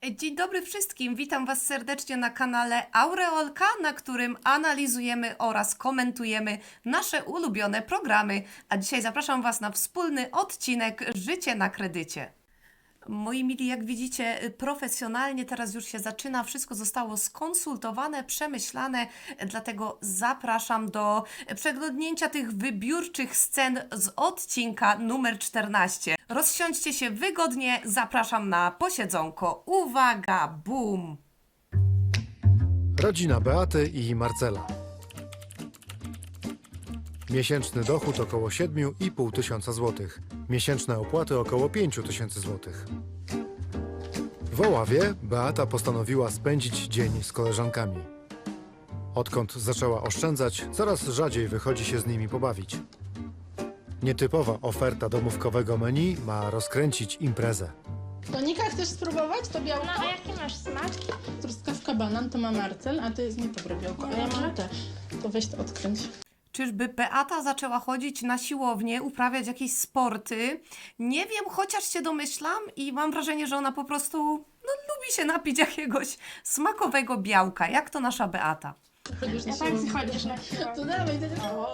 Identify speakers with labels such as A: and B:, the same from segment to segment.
A: Dzień dobry wszystkim, witam Was serdecznie na kanale Aureolka, na którym analizujemy oraz komentujemy nasze ulubione programy. A dzisiaj zapraszam Was na wspólny odcinek Życie na kredycie. Moi mili, jak widzicie, profesjonalnie teraz już się zaczyna, wszystko zostało skonsultowane, przemyślane, dlatego zapraszam do przeglądnięcia tych wybiórczych scen z odcinka numer 14. Rozsiądźcie się wygodnie, zapraszam na posiedzonko. Uwaga, boom!
B: Rodzina Beaty i Marcela. Miesięczny dochód około 7,5 tysiąca złotych. Miesięczne opłaty około 5 tysięcy złotych. W Oławie Beata postanowiła spędzić dzień z koleżankami. Odkąd zaczęła oszczędzać, coraz rzadziej wychodzi się z nimi pobawić. Nietypowa oferta domówkowego menu ma rozkręcić imprezę.
C: Tonika, chcesz spróbować to białko?
D: No, a jaki masz smak?
C: Truskawka banan to ma Marcel, a to jest niedobre białko. A ja mam te. To weź to odkręć.
A: Czyżby Beata zaczęła chodzić na siłownię, uprawiać jakieś sporty? Nie wiem, chociaż się domyślam i mam wrażenie, że ona po prostu lubi się napić jakiegoś smakowego białka, jak to nasza Beata.
C: Chodzisz na
D: Ja tak
C: siłownię.
D: chodzisz na siłownię.
C: To dawaj, to...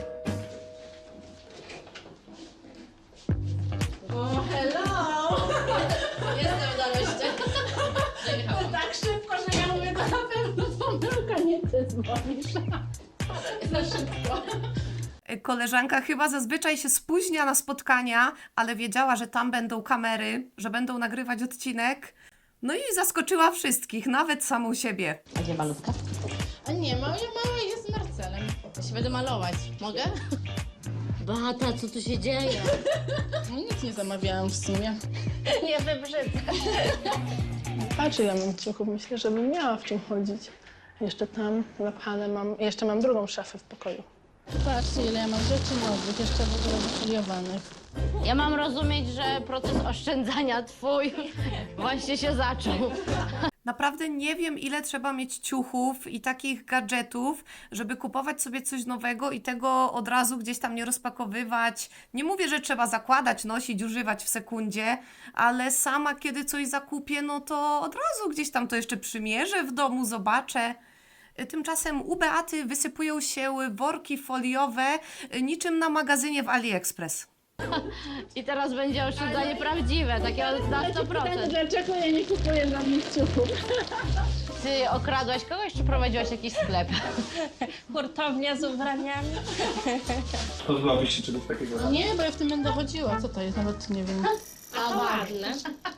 C: O, hello!
D: Jestem na mieście.
C: To tak szybko, że ja mówię, to na pewno pomyłka, nie ty dzwonisz. Za szybko.
A: Koleżanka chyba zazwyczaj się spóźnia na spotkania, ale wiedziała, że tam będą kamery, że będą nagrywać odcinek. No i zaskoczyła wszystkich, nawet samą siebie.
D: A gdzie malutka?
C: A nie, mała jest z Marcelem.
D: Ja się będę malować. Mogę? Beata, co tu się dzieje?
C: No nic nie zamawiałam w sumie.
D: Nie wybrzydzę.
C: Patrz, ile mam ciuchów. Myślę, że bym miała w czym chodzić. Jeszcze tam napchane mam, jeszcze mam drugą szafę w pokoju. Patrzcie, ile ja mam rzeczy nowych, jeszcze w ogóle wyfoliowanych.
D: Ja mam rozumieć, że proces oszczędzania twój właśnie się zaczął.
A: Naprawdę nie wiem, ile trzeba mieć ciuchów i takich gadżetów, żeby kupować sobie coś nowego i tego od razu gdzieś tam nie rozpakowywać. Nie mówię, że trzeba zakładać, nosić, używać w sekundzie, ale sama kiedy coś zakupię, no to od razu gdzieś tam to jeszcze przymierzę w domu, zobaczę. Tymczasem u Beaty wysypują się worki foliowe niczym na magazynie w AliExpress.
D: I teraz będzie oszczędzanie prawdziwe, takie na 100%.
C: Dlaczego ja nie kupuję żadnych ciuchów?
D: Ty okradłaś kogoś, czy prowadziłaś jakiś sklep?
E: Hurtownia z ubraniami.
F: Pozbyłabyś się czegoś takiego?
C: Nie, bo ja w tym będę chodziła. Co to jest? Nawet nie wiem.
D: A ładne.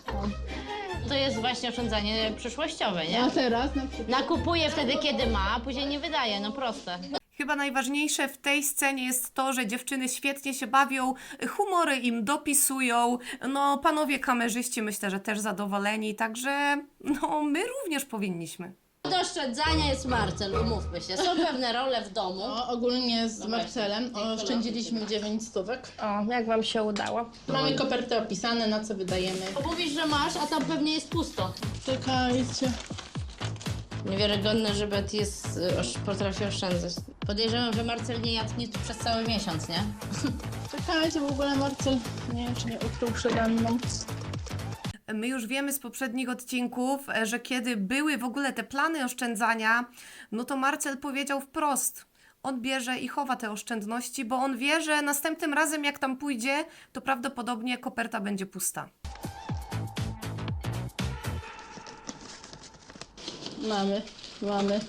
D: To jest właśnie oszczędzanie przyszłościowe, nie?
C: A teraz na przykład.
D: Nakupuje wtedy, kiedy ma, a później nie wydaje, no proste.
A: Chyba najważniejsze w tej scenie jest to, że dziewczyny świetnie się bawią, humory im dopisują, no panowie kamerzyści myślę, że też zadowoleni, także no my również powinniśmy.
D: Do oszczędzania jest Marcel, umówmy się. Są pewne role w domu.
C: O, ogólnie z Marcelem oszczędziliśmy 9 stówek.
E: O, jak wam się udało?
C: Mamy koperty opisane, na co wydajemy.
D: Mówisz, że masz, a tam pewnie jest pusto.
C: Czekajcie.
D: Niewiarygodne, że Bet potrafi oszczędzać. Podejrzewam, że Marcel nie jadł nic przez cały miesiąc, nie?
C: Czekajcie, w ogóle Marcel, nie wiem, czy nie ukrył przede mną.
A: My już wiemy z poprzednich odcinków, że kiedy były w ogóle te plany oszczędzania, no to Marcel powiedział wprost, on bierze i chowa te oszczędności, bo on wie, że następnym razem jak tam pójdzie, to prawdopodobnie koperta będzie pusta.
C: Mamy.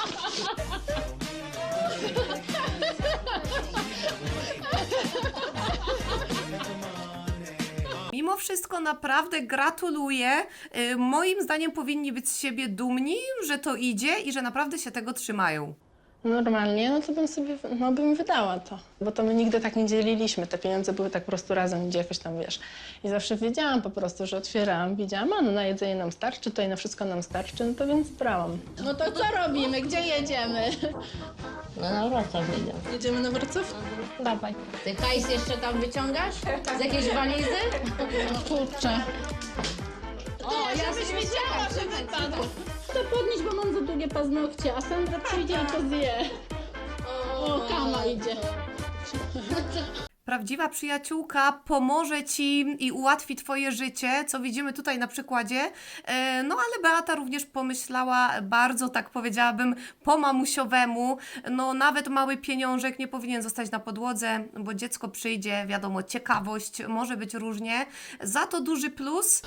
A: Mimo wszystko naprawdę gratuluję. Moim zdaniem powinni być z siebie dumni, że to idzie i że naprawdę się tego trzymają.
C: Normalnie, no to bym sobie, no bym wydała to. Bo to my nigdy tak nie dzieliliśmy, te pieniądze były tak po prostu razem, gdzie jakoś tam, wiesz. I zawsze wiedziałam po prostu, że otwierałam, widziałam, a no na jedzenie nam starczy, to i na wszystko nam starczy, no to więc brałam. No to co robimy? Gdzie jedziemy?
D: No na Wrocław idę.
C: Jedziemy na Wrocław?
E: Dawaj.
D: Ty hajs jeszcze tam wyciągasz? Z jakiejś walizy?
C: No kurczę.
D: O, ja żebyś wiedziała, że wypadł.
C: To podnieść, bo mam za długie paznokcie, a Sandra przyjdzie i to zje. O, Kama idzie.
A: Prawdziwa przyjaciółka pomoże ci i ułatwi twoje życie, co widzimy tutaj na przykładzie. No ale Beata również pomyślała bardzo, tak powiedziałabym, po mamusiowemu. No nawet mały pieniążek nie powinien zostać na podłodze, bo dziecko przyjdzie, wiadomo, ciekawość, może być różnie. Za to duży plus.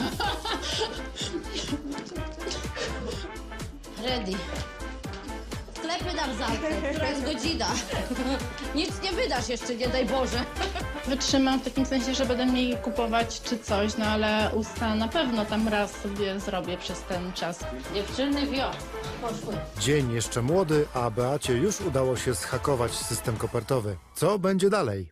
D: Ready. Sklepy dam zamknę, która jest godzina. Nic nie wydasz jeszcze, nie daj Boże.
C: Wytrzymam w takim sensie, że będę mniej kupować czy coś, no ale usta na pewno tam raz sobie zrobię przez ten czas.
D: Dziewczyny poszły.
B: Dzień jeszcze młody, a Beacie już udało się zhakować system kopertowy. Co będzie dalej?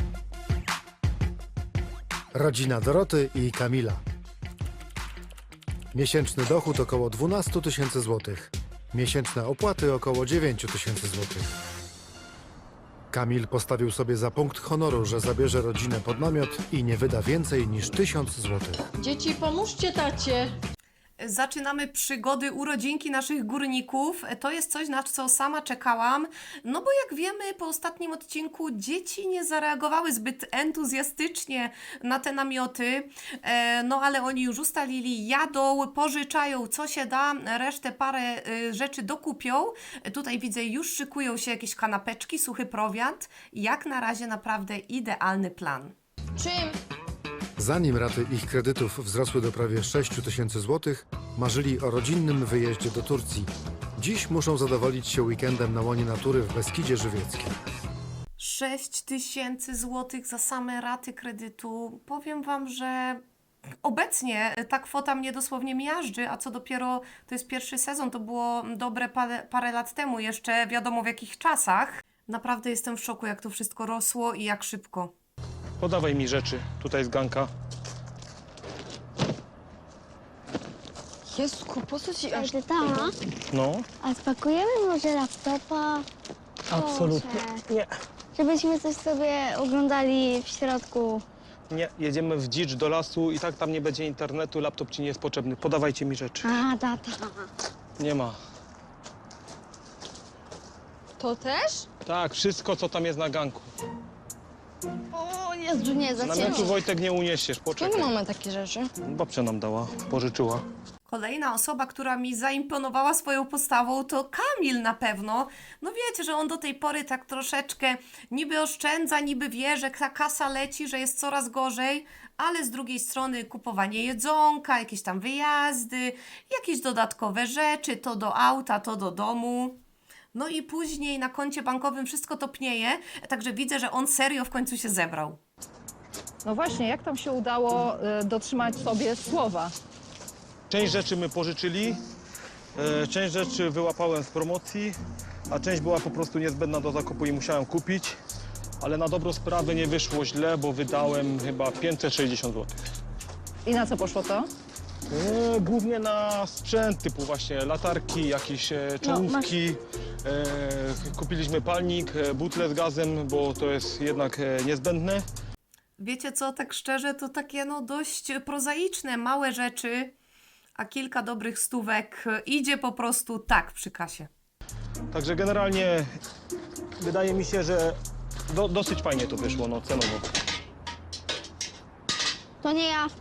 B: Rodzina Doroty i Kamila. Miesięczny dochód około 12 000 złotych. Miesięczne opłaty około 9 000 złotych. Kamil postawił sobie za punkt honoru, że zabierze rodzinę pod namiot i nie wyda więcej niż 1000 złotych.
E: Dzieci, pomóżcie tacie.
A: Zaczynamy przygody urodzinki naszych górników. To jest coś, na co sama czekałam. No bo jak wiemy, po ostatnim odcinku dzieci nie zareagowały zbyt entuzjastycznie na te namioty. No ale oni już ustalili, jadą, pożyczają co się da, resztę parę rzeczy dokupią. Tutaj widzę, już szykują się jakieś kanapeczki, suchy prowiant. Jak na razie naprawdę idealny plan.
D: Czym?
B: Zanim raty ich kredytów wzrosły do prawie 6 000 złotych, marzyli o rodzinnym wyjeździe do Turcji. Dziś muszą zadowolić się weekendem na łonie natury w Beskidzie Żywieckim.
A: 6 000 złotych za same raty kredytu. Powiem Wam, że obecnie ta kwota mnie dosłownie miażdży, a co dopiero to jest pierwszy sezon, to było dobre parę lat temu, jeszcze wiadomo w jakich czasach. Naprawdę jestem w szoku, jak to wszystko rosło i jak szybko.
F: Podawaj mi rzeczy. Tutaj jest ganka.
G: Jesku, po co ci aż...
H: Tata,
F: No.
H: a spakujemy może laptopa?
F: Absolutnie. Nie.
H: Żebyśmy coś sobie oglądali w środku.
F: Nie. Jedziemy w dzicz do lasu i tak tam nie będzie internetu, laptop ci nie jest potrzebny. Podawajcie mi rzeczy.
H: A, tata.
F: Nie ma.
G: To też?
F: Tak, wszystko co tam jest na ganku.
G: O Jezu, nie, za
F: Namiotu
G: ciężko.
F: Wojtek nie uniesiesz,
G: Czemu
F: poczekaj.
G: mamy takie rzeczy?
F: Babcia nam dała, pożyczyła.
A: Kolejna osoba, która mi zaimponowała swoją postawą, to Kamil na pewno. No wiecie, że on do tej pory tak troszeczkę niby oszczędza, niby wie, że ta kasa leci, że jest coraz gorzej, ale z drugiej strony kupowanie jedzonka, jakieś tam wyjazdy, jakieś dodatkowe rzeczy, to do auta, to do domu. No i później na koncie bankowym wszystko topnieje, także widzę, że on serio w końcu się zebrał.
I: No właśnie, jak tam się udało dotrzymać sobie słowa?
F: Część rzeczy my pożyczyli, część rzeczy wyłapałem z promocji, a część była po prostu niezbędna do zakupu i musiałem kupić. Ale na dobrą sprawę nie wyszło źle, bo wydałem chyba 560 zł.
I: I na co poszło to?
F: Głównie na sprzęt typu właśnie latarki, jakieś czołówki. Kupiliśmy palnik, butle z gazem, bo to jest jednak niezbędne.
A: Wiecie co, tak szczerze, to takie no dość prozaiczne, małe rzeczy, a kilka dobrych stówek idzie po prostu tak przy kasie.
F: Także generalnie wydaje mi się, że dosyć fajnie to wyszło, no cenowo.
H: To nie ja.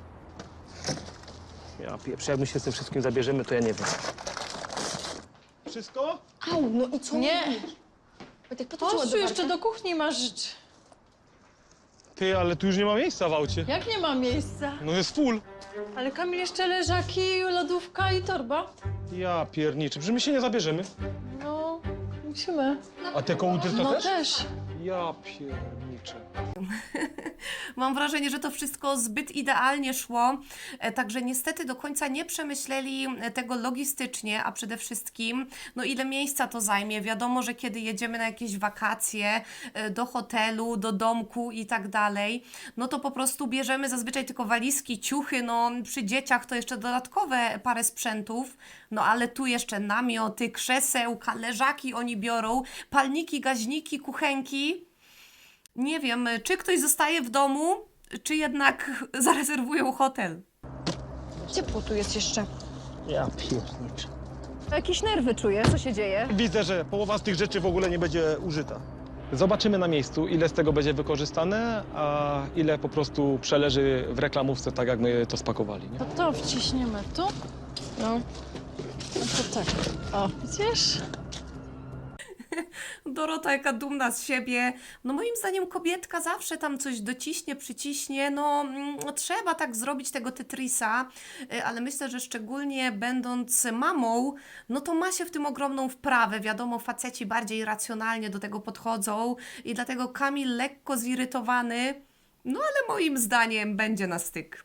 F: Ja pierwszy, jak my się z tym wszystkim zabierzemy, to ja nie wiem. Wszystko?
G: Au, no i co?
E: Nie.
G: Wojtek, po co
E: Chodź tu
G: ładowarka?
E: jeszcze do kuchni masz rzeczy.
F: Ty, ale tu już nie ma miejsca w aucie.
E: Jak nie ma miejsca?
F: No jest full.
E: Ale Kamil, jeszcze leżaki, lodówka i torba.
F: Ja pierniczę, że my się nie zabierzemy.
E: No, musimy.
F: A te kołdry to
E: No
F: też?
E: też.
F: Ja pierniczę.
A: Mam wrażenie, że to wszystko zbyt idealnie szło, także niestety do końca nie przemyśleli tego logistycznie, a przede wszystkim, no ile miejsca to zajmie. Wiadomo, że kiedy jedziemy na jakieś wakacje, do hotelu, do domku i tak dalej, no to po prostu bierzemy zazwyczaj tylko walizki, ciuchy, no przy dzieciach to jeszcze dodatkowe parę sprzętów, no ale tu jeszcze namioty, krzesełka, leżaki oni biorą, palniki, gaźniki, kuchenki. Nie wiem, czy ktoś zostaje w domu, czy jednak zarezerwują hotel.
G: Ciepło tu jest jeszcze.
F: Ja pierniczę.
I: Jakieś nerwy czuję, co się dzieje?
F: Widzę, że połowa z tych rzeczy w ogóle nie będzie użyta. Zobaczymy na miejscu, ile z tego będzie wykorzystane, a ile po prostu przeleży w reklamówce, tak jak my to spakowali. Nie?
E: To wciśniemy tu.
C: No.
E: No to tak. O, widzisz?
A: Dorota jaka dumna z siebie. No moim zdaniem kobietka zawsze tam coś dociśnie, przyciśnie. No trzeba tak zrobić tego Tetrisa, ale myślę, że szczególnie będąc mamą, no to ma się w tym ogromną wprawę. Wiadomo, faceci bardziej racjonalnie do tego podchodzą i dlatego Kamil lekko zirytowany, no ale moim zdaniem będzie na styk.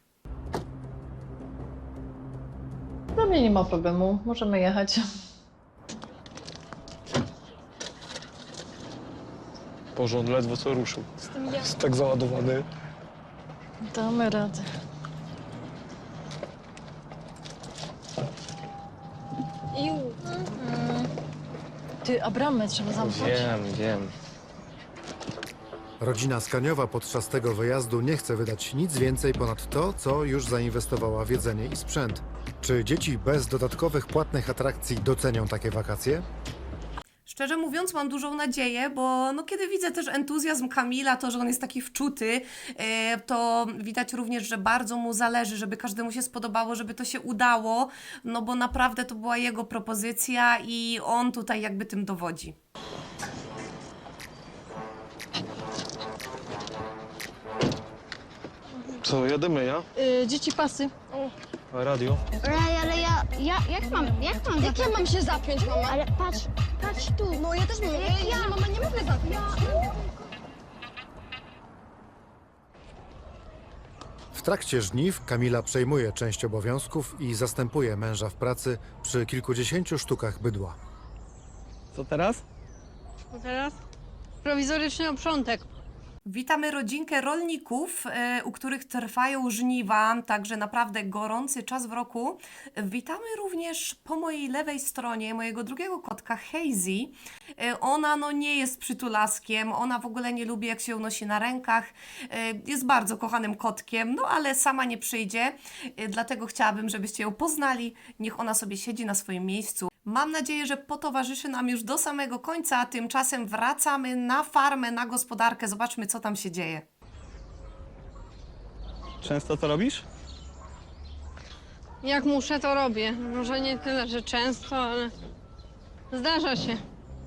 E: Dla mnie nie ma problemu. Możemy jechać.
F: Boże, on ledwo co ruszył. Jest tak załadowany.
E: Damy radę. Ty, a bramę trzeba zamknąć.
F: Wiem.
B: Rodzina Skaniowa podczas tego wyjazdu nie chce wydać nic więcej ponad to, co już zainwestowała w jedzenie i sprzęt. Czy dzieci bez dodatkowych płatnych atrakcji docenią takie wakacje?
A: Szczerze mówiąc, mam dużą nadzieję, bo no, kiedy widzę też entuzjazm Kamila, to, że on jest taki wczuty, to widać również, że bardzo mu zależy, żeby każdemu się spodobało, żeby to się udało, no bo naprawdę to była jego propozycja i on tutaj jakby tym dowodzi.
F: Co, jedziemy, ja?
E: Dzieci pasy.
F: A radio?
H: Ale jak mam
G: Jak ja mam się zapiąć, mama?
H: Ale patrz tu.
G: No ja też mam. Ja, mama, nie mogę zapiąć.
B: W trakcie żniw Kamila przejmuje część obowiązków i zastępuje męża w pracy przy kilkudziesięciu sztukach bydła.
F: Co teraz?
E: Teraz prowizoryczny oprzątek.
A: Witamy rodzinkę rolników, u których trwają żniwa, także naprawdę gorący czas w roku. Witamy również po mojej lewej stronie mojego drugiego kotka, Hazy. Ona no nie jest przytulaskiem, ona w ogóle nie lubi jak się unosi na rękach. Jest bardzo kochanym kotkiem, no ale sama nie przyjdzie, dlatego chciałabym, żebyście ją poznali. Niech ona sobie siedzi na swoim miejscu. Mam nadzieję, że potowarzyszy nam już do samego końca, a tymczasem wracamy na farmę, na gospodarkę. Zobaczmy, co tam się dzieje.
F: Często to robisz?
E: Jak muszę, to robię. Może nie tyle, że często, ale zdarza się.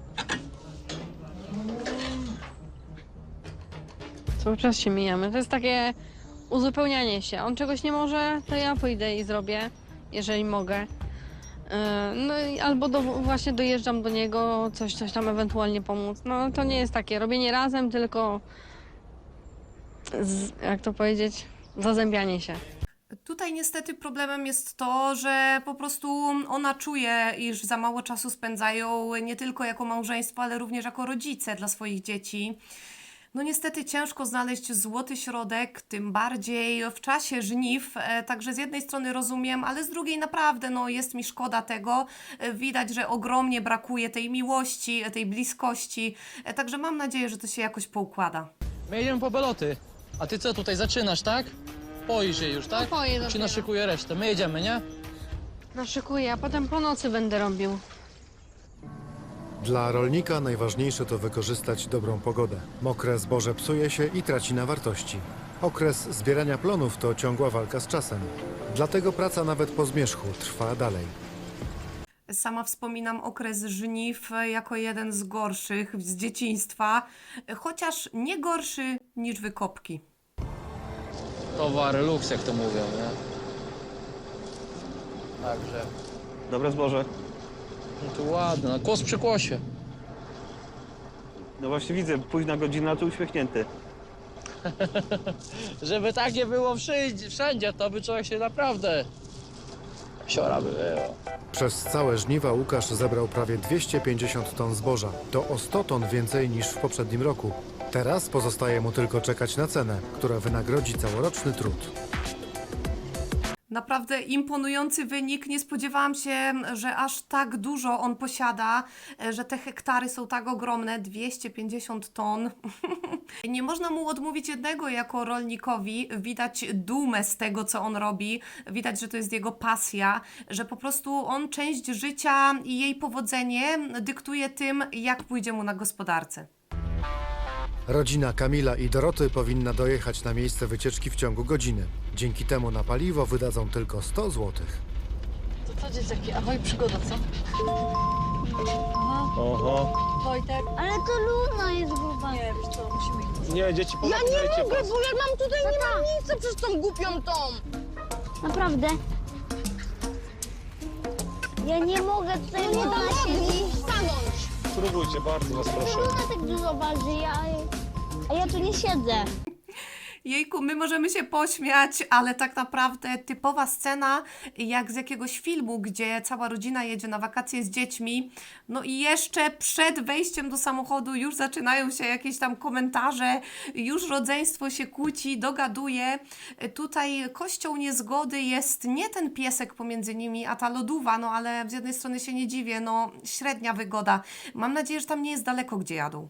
E: Cały czas się mijamy. To jest takie uzupełnianie się. On czegoś nie może, to ja pójdę i zrobię, jeżeli mogę. No i albo właśnie dojeżdżam do niego, coś tam ewentualnie pomóc. No to nie jest takie robienie razem, tylko jak to powiedzieć, zazębianie się.
A: Tutaj niestety problemem jest to, że po prostu ona czuje, iż za mało czasu spędzają nie tylko jako małżeństwo, ale również jako rodzice dla swoich dzieci. No niestety ciężko znaleźć złoty środek, tym bardziej w czasie żniw, także z jednej strony rozumiem, ale z drugiej naprawdę no, jest mi szkoda tego. Widać, że ogromnie brakuje tej miłości, tej bliskości, także mam nadzieję, że to się jakoś poukłada.
J: My jedziemy po beloty. A ty co, tutaj zaczynasz, tak? Poisz się już, tak?
E: Poję
J: Czy
E: dopiero.
J: naszykuję resztę? My jedziemy, nie?
E: Naszykuję, a potem po nocy będę robił.
B: Dla rolnika najważniejsze to wykorzystać dobrą pogodę. Mokre zboże psuje się i traci na wartości. Okres zbierania plonów to ciągła walka z czasem. Dlatego praca nawet po zmierzchu trwa dalej.
A: Sama wspominam okres żniw jako jeden z gorszych z dzieciństwa, chociaż nie gorszy niż wykopki.
J: Towary luks, jak to mówią, nie? Także.
K: Dobre zboże.
J: No to ładne, no kłos przy kłosie.
K: No właśnie widzę, późna godzina, to uśmiechnięty.
J: Żeby tak nie było wszędzie, to by człowiek się naprawdę... Siora by było.
B: Przez całe żniwa Łukasz zebrał prawie 250 ton zboża. To o 100 ton więcej niż w poprzednim roku. Teraz pozostaje mu tylko czekać na cenę, która wynagrodzi całoroczny trud.
A: Naprawdę imponujący wynik. Nie spodziewałam się, że aż tak dużo on posiada, że te hektary są tak ogromne, 250 ton. Nie można mu odmówić jednego jako rolnikowi. Widać dumę z tego, co on robi. Widać, że to jest jego pasja, że po prostu on część życia i jej powodzenie dyktuje tym, jak pójdzie mu na gospodarce.
B: Rodzina Kamila i Doroty powinna dojechać na miejsce wycieczki w ciągu godziny. Dzięki temu na paliwo wydadzą tylko 100 zł.
I: To co dzieciaki? Ahoj, przygoda, co?
F: Oho.
I: Wojtek.
H: Ale to Luna jest gruba.
I: Nie, wiesz co, musimy iść.
F: Nie, dzieci,
G: Ja nie mogę, bo ja mam tutaj, nie mam nic przez tą głupią tą.
H: Naprawdę? Ja nie mogę tutaj,
G: Nie
H: Luna
G: dam
H: siedzi.
G: rady stanąć.
F: Spróbujcie, bardzo was proszę.
H: Luna tak dużo waży, a ja tu nie siedzę.
A: Jejku, my możemy się pośmiać, ale tak naprawdę typowa scena jak z jakiegoś filmu, gdzie cała rodzina jedzie na wakacje z dziećmi, no i jeszcze przed wejściem do samochodu już zaczynają się jakieś tam komentarze, już rodzeństwo się kłóci, dogaduje. Tutaj kością niezgody jest nie ten piesek pomiędzy nimi, a ta lodówa, no ale z jednej strony się nie dziwię, no średnia wygoda. Mam nadzieję, że tam nie jest daleko, gdzie jadą.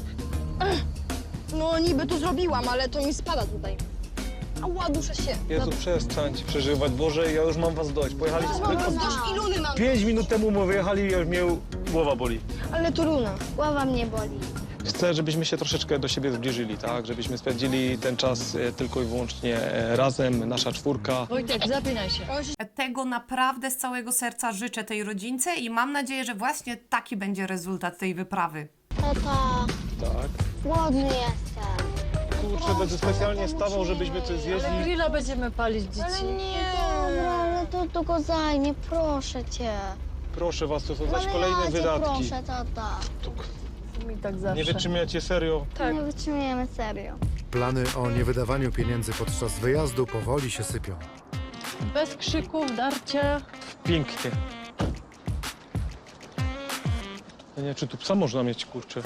G: No niby to zrobiłam, ale to mi spada tutaj. Ała, duszę się.
F: Jezu, przestańcie przeżywać. Boże, ja już mam was dość. Pojechaliście
G: Mam
F: tylko
G: dość i Luny mam.
F: 5 minut temu my wyjechali i już mnie głowa boli.
G: Ale to Luna.
H: Głowa mnie boli.
F: Chcę, żebyśmy się troszeczkę do siebie zbliżyli, tak? Żebyśmy spędzili ten czas tylko i wyłącznie razem, nasza czwórka.
I: Wojtek, zapinaj się.
A: Tego naprawdę z całego serca życzę tej rodzince i mam nadzieję, że właśnie taki będzie rezultat tej wyprawy.
H: Tata,
F: Tak.
H: głodny jestem.
F: Kurczę, będę specjalnie stawał, żebyśmy coś zjedli.
I: Grilla będziemy palić, dzieci.
H: Dobra, ale to tylko zajmie, proszę cię.
F: Proszę was, to są zaś
H: Ale
F: kolejne
H: ja cię
F: wydatki.
H: proszę, tata.
I: Mi tak zawsze.
F: Nie wytrzymiacie, serio.
I: Tak.
H: Nie wytrzymujemy, serio.
B: Plany o niewydawaniu pieniędzy podczas wyjazdu powoli się sypią.
I: Bez krzyków, darcia.
F: Pięknie. Ja nie wiem, czy tu psa można mieć, kurczę.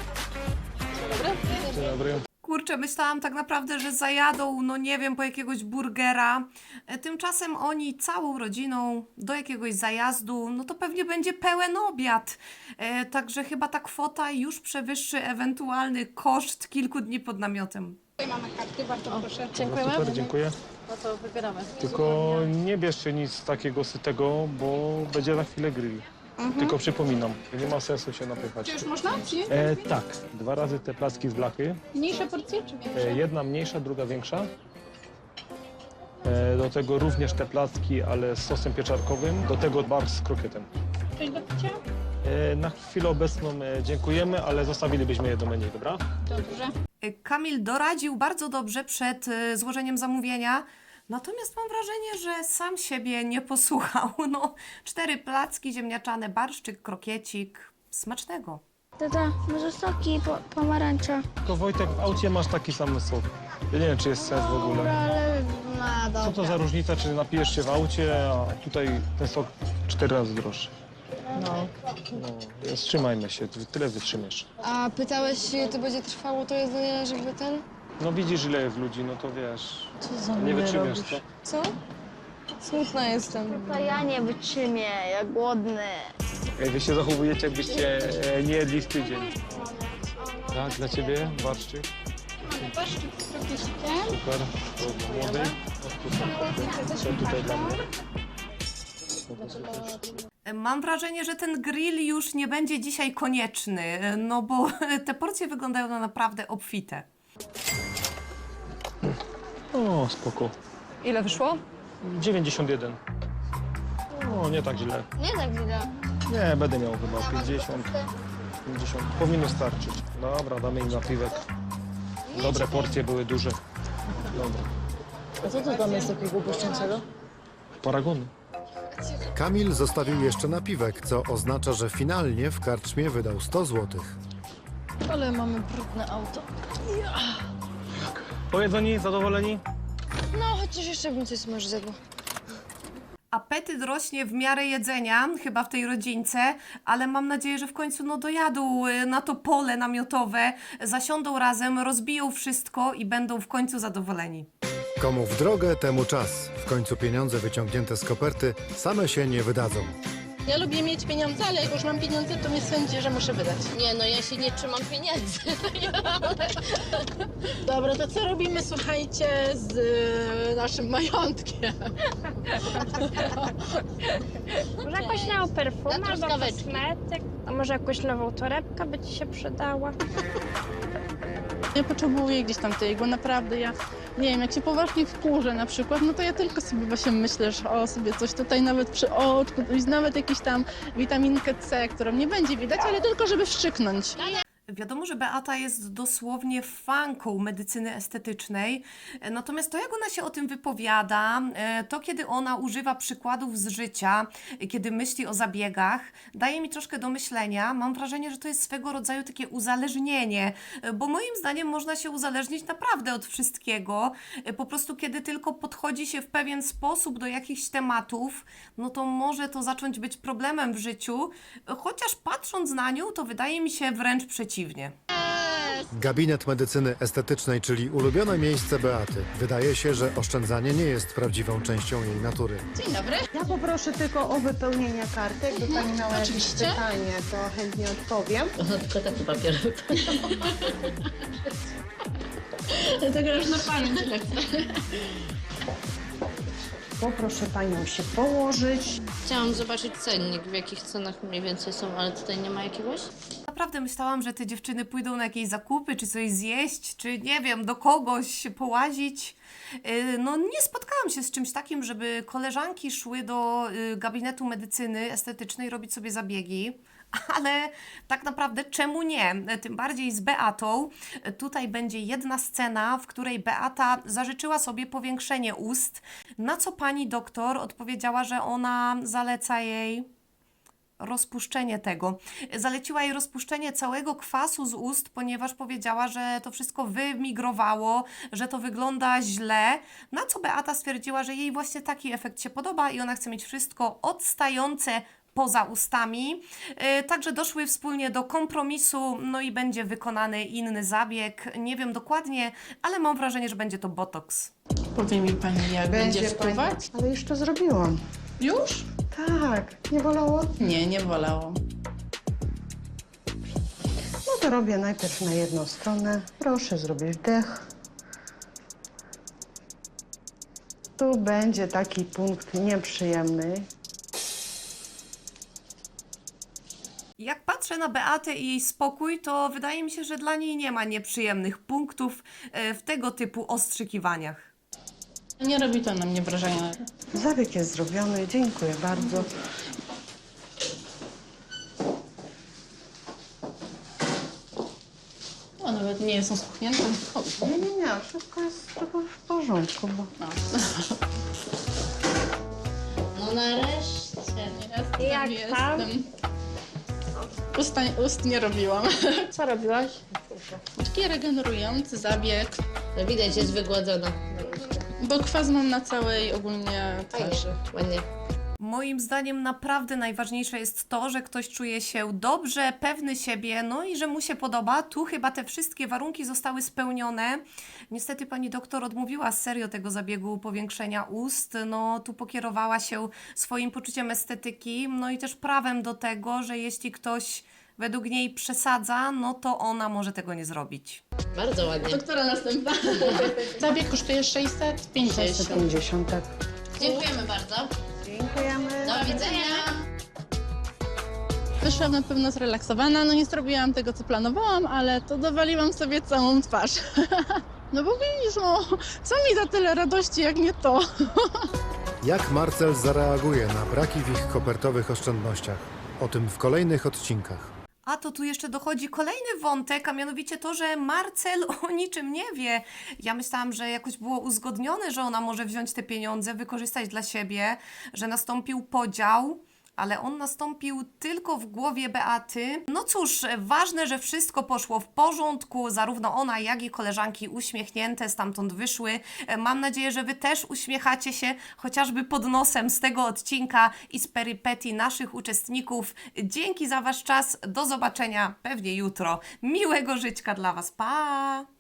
F: Dzień dobry.
A: Kurczę, myślałam tak naprawdę, że zajadą, no nie wiem, po jakiegoś burgera. Tymczasem oni całą rodziną do jakiegoś zajazdu, no to pewnie będzie pełen obiad. Także chyba ta kwota już przewyższy ewentualny koszt kilku dni pod namiotem.
I: Dziękujemy.
F: Super, dziękuję.
I: No to wybieramy.
F: Tylko nie bierzcie nic takiego sytego, bo będzie za chwilę grill. Tylko przypominam, nie ma sensu się napychać.
G: Już można?
F: Tak, 2 razy te placki z blachy.
G: Mniejsze porcje czy większe?
F: Jedna mniejsza, druga większa. Do tego również te placki, ale z sosem pieczarkowym. Do tego bar z krokietem.
G: Coś do picia?
F: Na chwilę obecną dziękujemy, ale zostawilibyśmy je do menu, dobra?
G: Dobrze.
A: Kamil doradził bardzo dobrze przed złożeniem zamówienia, natomiast mam wrażenie, że sam siebie nie posłuchał. No, 4 placki ziemniaczane, barszczyk, krokiecik. Smacznego.
H: Tata, może soki pomarańcza?
F: Tylko Wojtek, w aucie masz taki sam sok. Ja nie wiem, czy jest sens w ogóle.
H: Dobra, ale no
F: Co to za różnica, czy napijesz się w aucie, a tutaj ten sok 4 razy droższy.
I: No.
F: No, wstrzymajmy się, tyle wytrzymiesz.
G: A pytałeś, ile to będzie trwało to jedzenie, żeby ten...
F: No widzisz, ile jest ludzi, no to wiesz,
I: Co za
F: nie
I: minę
F: wytrzymiesz,
I: robisz?
F: co?
G: Co? Smutna jestem.
H: To ja nie wytrzymię, ja głodny.
F: Ej, wy się zachowujecie, jakbyście nie jedli w tydzień. Tak, dla ciebie barszczyk.
G: Barszczyk z krokiecikiem.
F: Super, to dla młodej. Co tutaj dla mnie?
A: Mam wrażenie, że ten grill już nie będzie dzisiaj konieczny, no bo te porcje wyglądają na naprawdę obfite.
F: O, spoko.
I: Ile wyszło?
F: 91. O, nie tak źle.
H: Nie tak źle.
F: Nie, będę miał chyba 50. Powinno starczyć. Dobra, damy im napiwek. Dobre porcje były duże. Dobra.
I: A co to tam jest takiego błyszczącego?
F: Paragony.
B: Kamil zostawił jeszcze napiwek, co oznacza, że finalnie w karczmie wydał 100 zł.
I: Ale mamy brudne auto.
F: Pojedzeni, zadowoleni?
G: No, chociaż jeszcze bym coś może zjadła.
A: Apetyt rośnie w miarę jedzenia, chyba w tej rodzince, ale mam nadzieję, że w końcu no dojadą na to pole namiotowe, zasiądą razem, rozbiją wszystko i będą w końcu zadowoleni.
B: Komu w drogę, temu czas. W końcu pieniądze wyciągnięte z koperty same się nie wydadzą.
G: Ja lubię mieć pieniądze, ale jak już mam pieniądze, to mnie sądzi, że muszę wydać.
D: Nie, no ja się nie trzymam pieniędzy.
G: Dobra, to co robimy, słuchajcie, z naszym majątkiem?
H: Może jakąś nową perfumę
D: Na
H: albo
D: truskaweczki.
H: kosmetyk? A może jakąś nową torebkę by ci się przydała?
C: Ja potrzebuję gdzieś tam tej igły, naprawdę ja, nie wiem, jak się poważnie wkurzę na przykład, no to ja tylko sobie właśnie myślę, że o, sobie coś tutaj nawet przy oczku, nawet jakiś tam witaminkę C, którą nie będzie widać, ale tylko żeby wszczyknąć.
A: Wiadomo, że Beata jest dosłownie fanką medycyny estetycznej, natomiast to, jak ona się o tym wypowiada, to kiedy ona używa przykładów z życia, kiedy myśli o zabiegach, daje mi troszkę do myślenia. Mam wrażenie, że to jest swego rodzaju takie uzależnienie, bo moim zdaniem można się uzależnić naprawdę od wszystkiego. Po prostu kiedy tylko podchodzi się w pewien sposób do jakichś tematów, no to może to zacząć być problemem w życiu, chociaż patrząc na nią, to wydaje mi się wręcz przeciwnie.
B: Gabinet medycyny estetycznej, czyli ulubione miejsce Beaty. Wydaje się, że oszczędzanie nie jest prawdziwą częścią jej natury.
C: Dzień dobry.
L: Ja poproszę tylko o wypełnienie karty. Jakby pani miała jakieś
C: Oczywiście.
L: pytanie, to chętnie odpowiem.
D: Ona tylko taki papier. To grasz na pamięć, tak.
L: Poproszę panią się położyć.
D: Chciałam zobaczyć cennik, w jakich cenach mniej więcej są, ale tutaj nie ma jakiegoś?
A: Naprawdę myślałam, że te dziewczyny pójdą na jakieś zakupy, czy coś zjeść, czy nie wiem, do kogoś połazić. No nie spotkałam się z czymś takim, żeby koleżanki szły do gabinetu medycyny estetycznej robić sobie zabiegi. Ale tak naprawdę czemu nie? Tym bardziej z Beatą. Tutaj będzie jedna scena, w której Beata zażyczyła sobie powiększenie ust, na co pani doktor odpowiedziała, że ona zaleca jej rozpuszczenie tego. Zaleciła jej rozpuszczenie całego kwasu z ust, ponieważ powiedziała, że to wszystko wymigrowało, że to wygląda źle, na co Beata stwierdziła, że jej właśnie taki efekt się podoba i ona chce mieć wszystko odstające poza ustami. Także doszły wspólnie do kompromisu, no i będzie wykonany inny zabieg. Nie wiem dokładnie, ale mam wrażenie, że będzie to botoks.
C: Powie mi pani, jak będzie wpływać?
L: Ale już to zrobiłam.
C: Już?
L: Tak, nie bolało?
C: Nie, nie bolało.
L: No to robię najpierw na jedną stronę. Proszę zrobić wdech. Tu będzie taki punkt nieprzyjemny.
A: Jak patrzę na Beatę i jej spokój, to wydaje mi się, że dla niej nie ma nieprzyjemnych punktów w tego typu ostrzykiwaniach.
C: Nie robi to na mnie wrażenia.
L: Zabieg jest zrobiony, dziękuję bardzo.
C: O, nawet nie są spuchnięte. O,
L: Nie, wszystko jest tylko w porządku, bo...
D: No nareszcie.
C: Jak tam? Ust nie robiłam.
I: Co robiłaś?
C: Taki regenerujący zabieg,
D: No widać, jest wygładzona.
C: bo kwas mam na całej ogólnie twarzy.
D: Ładnie.
A: Moim zdaniem naprawdę najważniejsze jest to, że ktoś czuje się dobrze, pewny siebie, no i że mu się podoba. Tu chyba te wszystkie warunki zostały spełnione. Niestety pani doktor odmówiła serio tego zabiegu powiększenia ust. No tu pokierowała się swoim poczuciem estetyki, no i też prawem do tego, że jeśli ktoś według niej przesadza, no to ona może tego nie zrobić.
D: Bardzo ładnie.
C: Doktora następna. Zabieg kosztuje 650.
L: 650, tak.
D: Dziękujemy bardzo.
L: Dziękujemy.
D: Do widzenia.
C: Wyszłam na pewno zrelaksowana, no nie zrobiłam tego, co planowałam, ale to dowaliłam sobie całą twarz. No bo widzisz, no, co mi da tyle radości, jak nie to?
B: Jak Marcel zareaguje na braki w ich kopertowych oszczędnościach? O tym w kolejnych odcinkach.
A: A to tu jeszcze dochodzi kolejny wątek, a mianowicie to, że Marcel o niczym nie wie. Ja myślałam, że jakoś było uzgodnione, że ona może wziąć te pieniądze, wykorzystać dla siebie, że nastąpił podział, ale on nastąpił tylko w głowie Beaty. No cóż, ważne, że wszystko poszło w porządku, zarówno ona, jak i koleżanki uśmiechnięte stamtąd wyszły. Mam nadzieję, że Wy też uśmiechacie się, chociażby pod nosem z tego odcinka i z perypetii naszych uczestników. Dzięki za Wasz czas, do zobaczenia pewnie jutro. Miłego żyćka dla Was, pa!